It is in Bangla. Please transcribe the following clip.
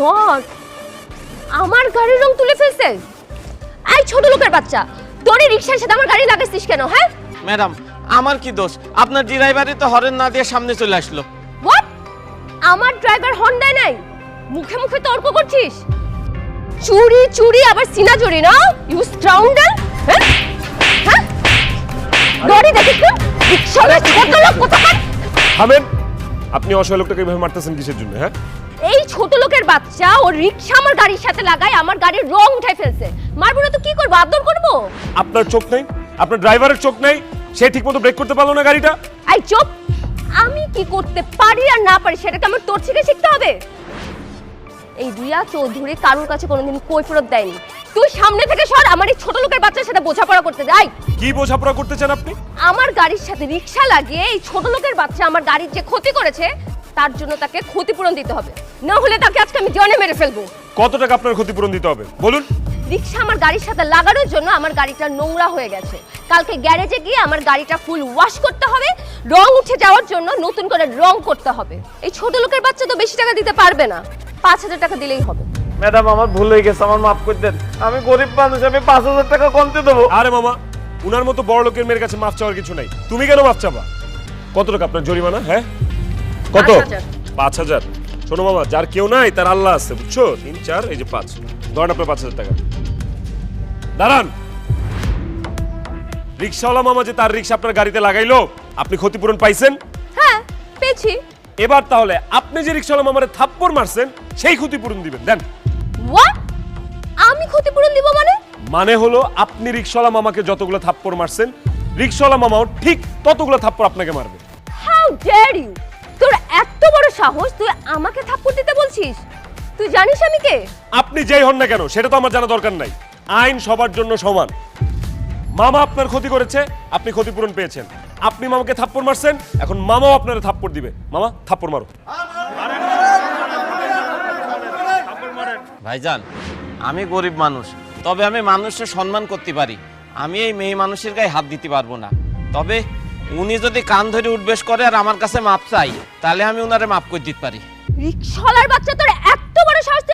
গড, আমার গাড়ির রং তুলে ফেলছে। এই ছোট লোকের বাচ্চা, তোর এই রিকশার সাথে আমার গাড়ি লাগাইছিস কেন? হ্যাঁ ম্যাডাম, আমার কি দোষ? আপনার ড্রাইভারই তো হরেন না দিয়ে সামনে চলে আসলো। হোয়াট? আমার ড্রাইভার হর্ন দেয় নাই? মুখে মুখে তর্ক করছিস? চুরি চুরি আবার সিনা চুরি না? You scoundrel! হ্যাঁ হ্যাঁ, গাড়ি দেখিস না? রিকশাওয়ালা ছোট লোক কোথাকার! থামেন। আপনি অসহায় লোকটাকে এভাবে মারতেছেন কিসের জন্য? হ্যাঁ, এই ছোট লোকের বাচ্চা ও রিকশা আমার গাড়ির সাথে লাগায় আমার গাড়ির রং উঠাই ফেলছে। মারবো না তো কি করবো? আদর করবো? আপনার চোখ নেই? আপনার ড্রাইভারের চোখ নেই? সে ঠিকমতো ব্রেক করতে পারলো না গাড়িটা। এই চুপ! আমি কি করতে পারি আর না পারি সেটাকে আমার তোর থেকে শিখতে হবে। এই রিয়া চৌধুরী কারোর কাছে কোনোদিন কৈফিয়ত দেয়নি। তুই সামনে থেকে সর, আমার এই ছোট লোকের বাচ্চার সাথে বোঝাপড়া করতে যাই। কি বোঝাপড়া করতে চান আপনি? আমার গাড়ির সাথে রিকশা লাগিয়ে এই ছোট লোকের বাচ্চা আমার গাড়ির যে ক্ষতি করেছে তার জন্য তাকে ক্ষতিপূরণ দিতে হবে, না হলে তাকে আজকে আমি জনে মেরে ফেলবো। কত টাকা আপনার ক্ষতিপূরণ দিতে হবে বলুন? রিকশা আমার গাড়ির সাথে লাগানোর জন্য আমার গাড়িটা নোংরা হয়ে গেছে। কালকে গ্যারেজে গিয়ে আমার গাড়িটা ফুল ওয়াশ করতে হবে, রং উঠে যাওয়ার জন্য নতুন করে রং করতে হবে। এই ছোট লোকের বাচ্চা তো বেশি টাকা দিতে পারবে না, 5,000 টাকা দিলেই হবে। ম্যাডাম, আমার ভুল হয়ে গেছে, আমার মাফ করে দেন। আমি গরিব মানুষ, আমি 5,000 টাকা কমতে দেবো। আরে মামা, উনার মতো বড় লোকের মেয়ের কাছে মাফ চাওয়ার কিছু নাই। তুমি কেন মাফ চাবা? কত টাকা আপনার জরিমানা? হ্যাঁ কত? 5,000। 5,000? শোনো মামা, যার কেউ নাই তার আল্লাহ আছে, বুঝছো? 3, 4, এই যে 5, ধরেন আপনার 5,000 টাকা। দাঁড়ান। রিক্সাওয়ালা মামা যে তার রিক্সা আপনার গাড়িতে লাগাইলো, আপনি ক্ষতিপূরণ পাইছেন? হ্যাঁ পেয়েছি। এবার তাহলে আপনি যে রিক্সাওয়ালা মামারে থাপ্পড় মারছেন সেই ক্ষতিপূরণ দিবেন। দেন। হোয়াট? আমি ক্ষতিপূরণ দিব মানে? মানে হলো আপনি রিক্সাওয়ালা মামাকে যতগুলো থাপ্পড় মারছেন, রিক্সাওয়ালা মামাও ঠিক ততগুলো থাপ্পড় আপনাকে মারবে। How dare you! তোর এত বড় সাহস, তুই আমাকে থাপ্পড় দিতে বলছিস? তুই জানিস আমি কে? আপনি যেই হন না কেন সেটা তো আমার জানা দরকার নাই। আইন সবার জন্য সমান। মামা আপনার ক্ষতি করেছে, আপনি ক্ষতিপূরণ পেয়েছেন। আপনি মামাকে থাপ্পড় মারছেন, এখন মামাও আপনারে থাপ্পড় দিবে। মামা থাপ্পড় মারো। ভাইজান, আমি গরিব মানুষ, তবে আমি মানুষের সম্মান করতে পারি। আমি এই মেয়ে মানুষের গায়ে হাত দিতে পারবো না। তবে উনি যদি কান ধরে উঠবেশ করে আর আমার কাছে মাপ চাই, তাহলে আমি উনারে মাফ করে দিতে পারি। রিকশাওয়ালার বাচ্চা, তোর এত বড় সাহস!